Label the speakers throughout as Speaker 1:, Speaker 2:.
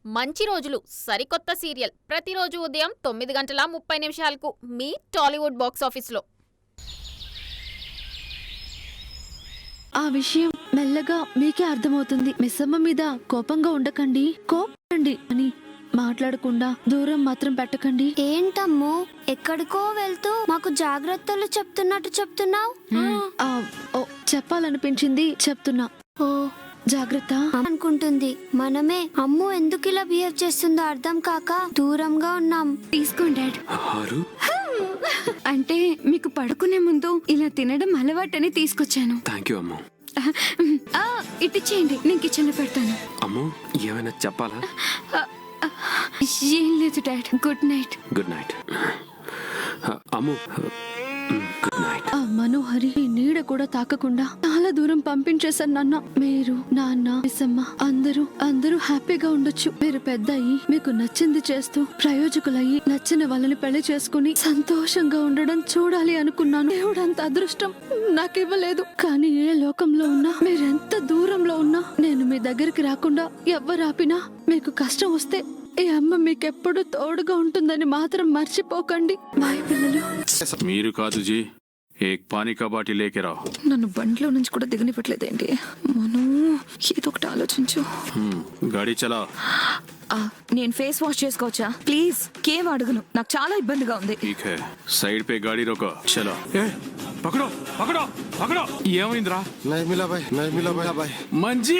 Speaker 1: మంచి రోజులు సరికొత్త సీరియల్ ప్రతిరోజు ఉదయం 9:30 మీ టాలీవుడ్ బాక్స్ ఆఫీస్లో.
Speaker 2: ఆ విషయం మెల్లగా మీకే అర్థమవుతుంది. మిస్సమ్మ మీద కోపంగా ఉండకండి, కోపండి అని మాట్లాడకుండా దూరం మాత్రం పెట్టకండి.
Speaker 3: ఏంటమ్మో ఎక్కడికో వెళ్తూ మాకు జాగ్రత్తలు చెప్తున్నావు.
Speaker 2: చెప్పాలనిపించింది చెప్తున్నా.
Speaker 3: ఓ
Speaker 2: జాగ్రత్త
Speaker 3: అనుకుంటుంది. మనమే అమ్ము ఎందుకు ఇలా బిహేవ్ చేస్తుందో అర్థం కాక దూరంగా ఉన్నాం.
Speaker 4: తీసుకోండి డాడ్. అంటే మీకు పడుకునే ముందు ఇలా తినడం అలవాటని తీసుకొచ్చాను.
Speaker 5: థాంక్యూ అమ్ము.
Speaker 4: ఇట్టిచ్చేయండి, నేను కిచెన్ లో పెడతాను.
Speaker 5: అమ్ము ఏమైనా చెప్పాలా?
Speaker 4: ఏం లేదు dad. Good night.
Speaker 5: Good night Ammu. Good night.
Speaker 2: ఆ మనోహరి నీడ కూడా తాకకుండా చాలా దూరం పంపించేశాను నాన్న. మీరు, నాన్న, మిస్సమ్మ అందరూ హ్యాపీగా ఉండొచ్చు. మీరు పెద్ద అయ్యి మీకు నచ్చింది చేస్తూ ప్రయోజకులయ్యి నచ్చిన వాళ్ళని పెళ్లి చేసుకుని సంతోషంగా ఉండడం చూడాలి అనుకున్నాను. దేవుడంత అదృష్టం నాకివ్వలేదు. కానీ ఏ లోకంలో ఉన్నా, మీరెంత దూరంలో ఉన్నా, నేను మీ దగ్గరికి రాకుండా ఎవ్వరు ఆపినా, మీకు కష్టం వస్తే ఈ అమ్మ మీకెప్పుడు తోడుగా ఉంటుందని మాత్రం మర్చిపోకండి. బాయ్ పిల్లలు.
Speaker 6: మీరు కాదు జీ, ఏక్ పానీ కా బాటిల్ లేకే రావ్.
Speaker 4: నన్ను బండిలో నుంచి కూడా దిగనివ్వట్లేదేంటి? మనం ఏదో ఒకటి ఆలోచించు.
Speaker 6: గాడి చలా.
Speaker 4: నేను ఫేస్ వాష్ చేసుకోవచ్చా ప్లీజ్? కేవ్ అడుగును, నాకు చాలా ఇబ్బందిగా ఉంది.
Speaker 6: ठीक है, साइड पे गाड़ी रोको. चलो. ए, पकड़ो पकड़ो पकड़ो. ఏమైందిరా?
Speaker 7: नहीं मिला भाई.
Speaker 6: మంజీ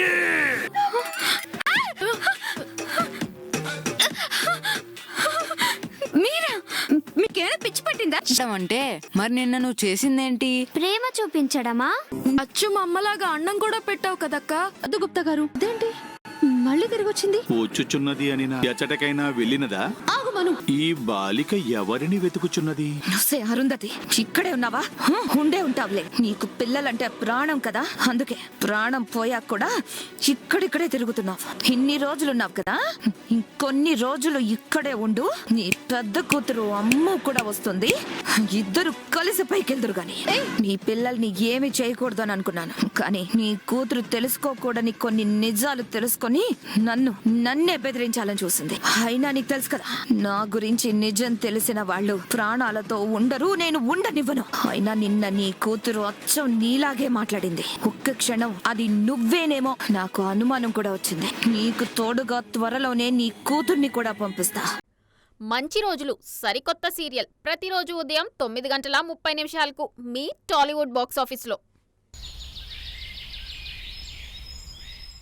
Speaker 4: మీరా? మీకేమైనా పిచ్చి పట్టిందా?
Speaker 8: అంటే మరి నిన్న నువ్వు చేసిందేంటి?
Speaker 3: ప్రేమ చూపించడమా?
Speaker 2: అచ్చు మా అమ్మలాగా అన్నం కూడా పెట్టావు కదక్క. అదు గుప్తా గారు, అదేంటి మళ్ళీ తిరిగి వచ్చింది?
Speaker 6: వచ్చుచున్నది అని నా ఎచ్చటకైనా వెళ్ళినదా?
Speaker 2: ఆగు మను.
Speaker 6: ఈ బాలిక ఎవరిని వెతుకుచున్నది?
Speaker 4: నువ్వే అరుంధతి, ఇక్కడే ఉన్నావా? ఉండే ఉంటావులే. నీకు పిల్లలంటే ప్రాణం కదా, అందుకే ప్రాణం పోయాక కూడా ఇక్కడిక్కడే తిరుగుతున్నావు. ఇన్ని రోజులున్నావు కదా, ఇంకొన్ని రోజులు ఇక్కడే ఉండు. నీ పెద్ద కూతురు అమ్మ కూడా వస్తుంది, ఇద్దరు కలిసి పైకెళ్దురు గాని. నీ పిల్లల్ని ఏమి చేయకూడదు అని అనుకున్నాను, కానీ నీ కూతురు తెలుసుకోకూడని కొన్ని నిజాలు తెలుసుకొని నన్నే బెదిరించాలని చూసింది. అయినా నీకు తెలుసు కదా, నా గురించి నిజం తెలిసిన వాళ్ళు ప్రాణాలతో ఉండరు, నేను ఉండనివ్వను. అయినా నిన్న నీ కూతురు అచ్చం నీలాగే మాట్లాడింది. ఒక్క క్షణం అది నువ్వేనేమో నాకు అనుమానం కూడా వచ్చింది. నీకు తోడుగా త్వరలోనే నీ కూతుర్ని కూడా పంపిస్తా.
Speaker 1: మంచి రోజులు సరికొత్త సీరియల్ ప్రతిరోజు ఉదయం 9:30 మీ టాలీవుడ్ బాక్స్ ఆఫీస్లో.